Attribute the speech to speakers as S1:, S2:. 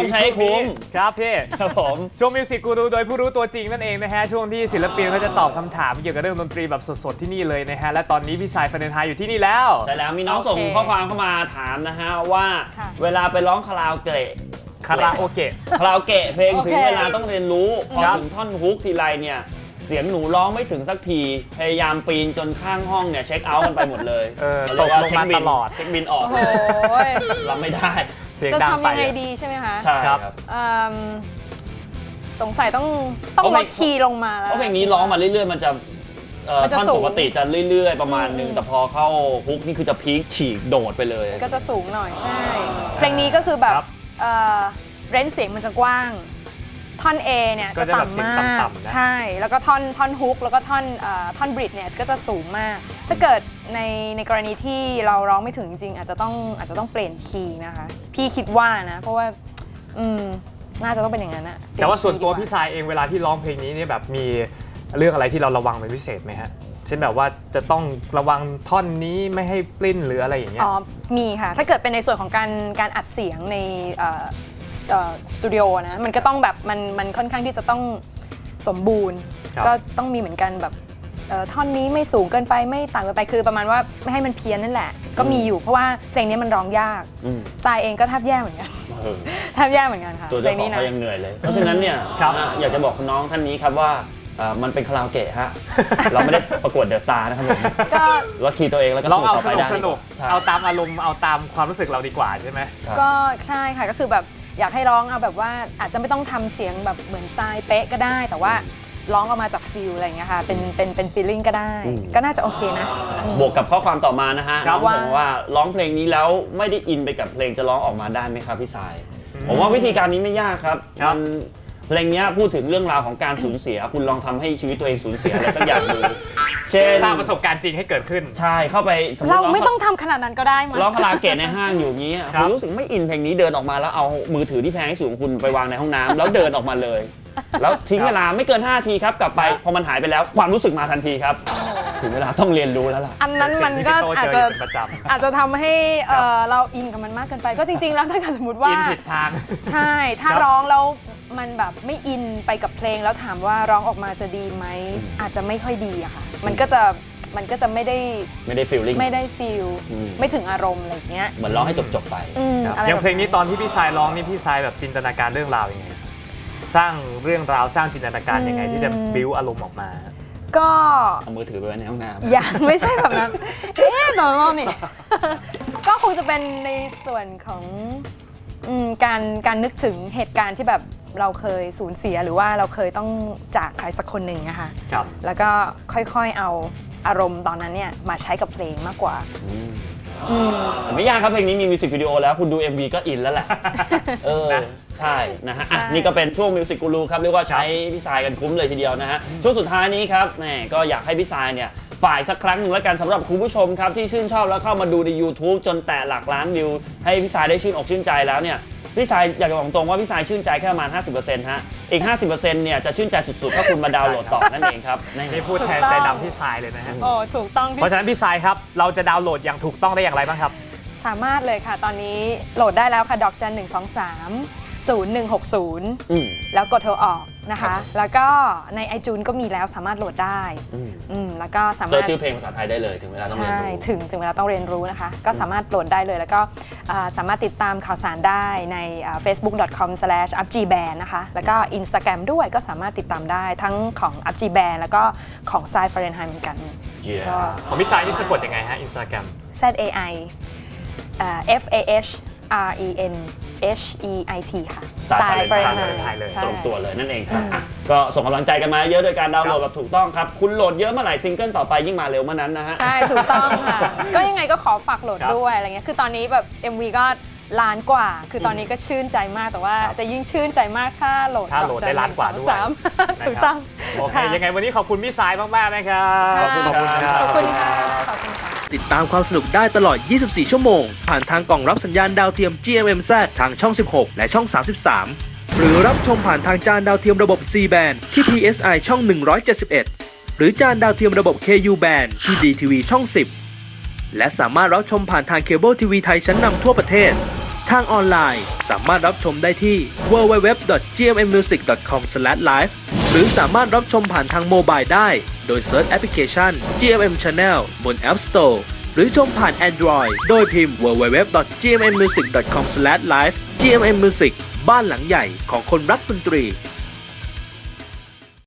S1: ต้องใช้ให้คุ้ม
S2: ครับพี่
S1: ครับผม
S2: ช่วงมิวสิกกูรูโดยผู้รู้ตัวจริงนั่นเองนะฮะช่วงที่ศิลปินเขาจะตอบคำถามเกี่ยวกับเรื่องดนตรีแบบสดๆที่นี่เลยนะฮะและตอนนี้พี่สายฟาเรนไฮต์อยู่ที่นี่แล้ว
S1: ใช่แล้วมีน้องส่งข้อความเข้ามาถามนะฮะว่าเวลาไปร้องคาราโอเกะเพลงถึงเวลาต้องเรียนรู้พอถึงท่อนฮุกทีไรเนี่ยเสียงหนูร้องไม่ถึงสักทีพยายามปีนจนข้างห้องเนี่ยเช็คเอาท์กันไปหมดเลย
S2: ตกลงมาตลอด
S1: เช็คบินออกรับไม่ได้
S3: จะทำยังไงดีใช่ไหมคะ
S1: ใช่ครับ
S3: สงสัยต้องลดคีย์ลงมาแล้ว
S1: เพราะเพลงนี้ร้องมาเรื่อยๆมันจะท่อนปกติจะเรื่อยๆประมาณนึงแต่พอเข้าฮุกนี่คือจะพีคฉีกโดดไปเลย
S3: ก็จะสูงหน่อยใช่เพลงนี้ก็คือแบบเรนจ์เสียงมันจะกว้างท่อน A เนี่ยจะต่ำมากใช่แล้วก็ท่อนฮุกแล้วก็ท่อนบริดเนี่ยก็จะสูงมากถ้าเกิดในกรณีที่เราร้องไม่ถึงจริงอาจจะต้องเปลี่ยนคีย์นะคะพี่คิดว่านะเพราะว่าน่าจะต้องเป็นอย่างนั้นนะ
S2: แต่ว่าส่วนตัวพี่สายเองเวลาที่ร้องเพลงนี้เนี่ยแบบมีเรื่องอะไรที่เราระวังเป็นพิเศษไหมฮะเช่นแบบว่าจะต้องระวังท่อนนี้ไม่ให้ปลิ้นหรืออะไรอย่างเงี้ย
S3: มีค่ะถ้าเกิดเป็นในส่วนของการอัดเสียงในสตูดิโอนะมันก็ต้องแบบมันค่อนข้างที่จะต้องสมบูรณ์ก็ต้องมีเหมือนกันแบบท่อนนี้ไม่สูงเกินไปไม่ต่ำเกินไปคือประมาณว่าไม่ให้มันเพี้ยนนั่นแหละก็มีอยู่เพราะว่าเพลงนี้มันร้องยากทรายเองก็แทบแย่เหมือนกันแทบแย่เหมือนกันค่ะ
S1: ตัวเจ้าของเขายังเหนื่อยเลยเพราะฉะนั้นเนี่ยอยากจะบอกน้องท่านนี้ครับว่ามันเป็นคาราโอเกะฮะเราไม่ได้ประกวดเดอะสตาร์นะครับผมก็ลดคีย์ตัวเองแล้วก็สู้ต่อไปได้
S2: สนุกเอาตามอารมณ์เอาตามความรู้สึกเราดีกว่าใช่ไหม
S3: ก็ใช่ค่ะก็คือแบบอยากให้ร้องเอาแบบว่าอาจจะไม่ต้องทำเสียงแบบเหมือนทรายเป๊ะก็ได้แต่ว่าร้องออกมาจากฟิลอะไรอย่างเงี้ยค่ะเป็นฟีลลิ่งก็ได้ก็น่าจะโอเคนะ
S1: บวกกับข้อความต่อมานะฮะน้องบอกว่าร้องเพลงนี้แล้วไม่ได้อินไปกับเพลงจะร้องออกมาได้ไหมครับพี่สายผมว่าวิธีการนี้ไม่ยากครับเพลงนี้พูดถึงเรื่องราวของการสูญเสียคุณลองทำให้ชีวิตตัวเองสูญเสียอะไรสักอย่างดู
S2: เช่นสร้างประสบการณ์จริงให้เกิดขึ้น
S1: ใช่เข้าไป
S3: เราไม่ต้องทำขนาดนั้นก็ได้มั้ย
S1: ร้องคาราโอเกะในห้างอยู่อย่างนี้คุณรู้สึกไม่อินเพลงนี้เดินออกมาแล้วเอามือถือที่แพงที่สุดของคุณไปวางในห้องน้ำแล้วเดินออกมาเลยแล้วทิ้งเวลาไม่เกิน5 นาทีครับกลับไปพอมันหายไปแล้วความรู้สึกมาทันทีครับถึงเวลาต้องเรียนรู้แล้วล่ะ
S3: อันนั้นมันก็อาจจะทำให้เราอินกับมันมากเกินไปก็จริงๆแล้วถ้าเกิดสมมติว่า
S2: อินผิดทาง
S3: ใช่ถ้าร้องแล้วมันแบบไม่อินไปกับเพลงแล้วถามว่าร้องออกมาจะดีไหมอาจจะไม่ค่อยดีอะค่ะมันก็จะไม่ได้
S1: ฟีลลิ่ง
S3: ไม่ได้ฟีลไม่ถึงอารมณ์อะไรอย่างเงี้ย
S1: เหมือนร้องให้จบไป
S2: อย่างเพลงนี้ตอนที่พี่สายร้องนี่พี่สายแบบจินตนาการเรื่องราวยังไงสร้างเรื่องราวสร้างจินตนาการยังไงที่จะบิ้วอารมณ์ออกมา
S3: ก็
S1: เอามือถือไปไว้ในห้องน้ำ
S3: ยังไม่ใช่แบบนั้นตอนนี้ก็คงจะเป็นในส่วนของการนึกถึงเหตุการณ์ที่แบบเราเคยสูญเสียหรือว่าเราเคยต้องจากใครสักคนหนึ่งนะคะแล้วก็ค่อยๆเอาอารมณ์ตอนนั้นเนี่ยมาใช้กับเพลงมากกว่า
S1: ไม่ยากครับเพลงนี้มีมิวสิกวิดีโอแล้วคุณดู MV ก็อินแล้วแหละใช่นะฮะนี่ก็เป็นช่วงมิวสิกกูรูครับเรียกว่าใช้พี่สายกันคุ้มเลยทีเดียวนะฮะช่วงสุดท้ายนี้ครับแหมก็อยากให้พี่สายเนี่ยฝ่ายสักครั้งหนึ่งแล้วกันสำหรับคุณผู้ชมครับที่ชื่นชอบแล้วเข้ามาดูใน YouTube จนแตะหลักล้านวิวให้พี่สายได้ชื่นอกชื่นใจแล้วเนี่ยพี่สายอยากจะบอกตรงว่าพี่สายชื่นใจแค่ประมาณ 50% ฮะอีก 50% เนี่ยจะชื่นใจสุดๆถ้าคุณมาดาวน์โหลดต่อนั่นเองครับ
S2: นี่พูดแทนใจดำพี่สายเลยนะฮะ
S3: ถูกต้อง
S2: เพราะฉะนั้นพี่สายครับเราจะดาวน์โหลดอย่างถูกต้องได้อย่างไรบ้างครับ
S3: สามารถเลยค่ะตอนนี้โหลดได้แล้วค่ะดอกจัน1230160แล้วกดโทรออกนะคะแล้วก็ใน iTunes ก็มีแล้วสามารถโหลดได้แล้วก็สามารถ
S1: เสิร์ชชื่อเพลงภาษาไทยได้เลยถึงเวลาต้องเรียนรู้
S3: ถึงเวลาต้องเรียนรู้นะคะก็สามารถโหลดได้เลยแล้วก็สามารถติดตามข่าวสารได้ใน facebook.com/upgband นะคะแล้วก็ Instagram ด้วยก็สามารถติดตามได้ทั้งของ upgband แล้วก็ของทรายฟาเรนไฮต์เหมือนกัน
S2: ของพี่สายนี่สะกดยังไงฮะ Instagram
S3: ZAI FASHRENHEIT ค่ะ
S1: สายฟาเรนไฮต์เลยตรงตัวเลยนั่นเองครับก็ส่งกำลังใจกันมาเยอะโดยการดาวน์โหลดแบบถูกต้องครับคุณโหลดเยอะเมื่อไหร่ซิงเกิลต่อไปยิ่งมาเร็วเมื่อนั้นนะฮะ
S3: ใช่ถูกต้องค่ะก็ยังไงก็ขอฝากโหลดด้วยอะไรเงี้ยคือตอนนี้แบบ MV ก็ล้านกว่าคือตอนนี้ก็ชื่นใจมากแต่ว่าจะยิ่งชื่นใจมากถ้าโหลด
S2: ได้ล้านกว่าด้วย
S3: ถูกต้อง
S2: โอเคยังไงวันนี้ขอบคุณพี่สายมากๆนะครับ
S3: ขอบคุณค่ะขอบคุณค่ะ
S4: ติดตามความสนุกได้ตลอด 24 ชั่วโมงผ่านทางกล่องรับสัญญาณดาวเทียม GMMZ ทางช่อง 16 และช่อง 33 หรือรับชมผ่านทางจานดาวเทียมระบบ C band ที่ PSI ช่อง 171 หรือจานดาวเทียมระบบ KU band ที่ DTV ช่อง 10 และสามารถรับชมผ่านทางเคเบิลทีวีไทยชั้นนำทั่วประเทศทางออนไลน์สามารถรับชมได้ที่ www.gmmmusic.com/live หรือสามารถรับชมผ่านทางโมบายได้โดยเซิร์ชแอปพลิเคชัน GMM Channel บน App Store หรือชมผ่าน Android โดยพิมพ์ www.gmmmusic.com/live GMM Music บ้านหลังใหญ่ของคนรักดนตรี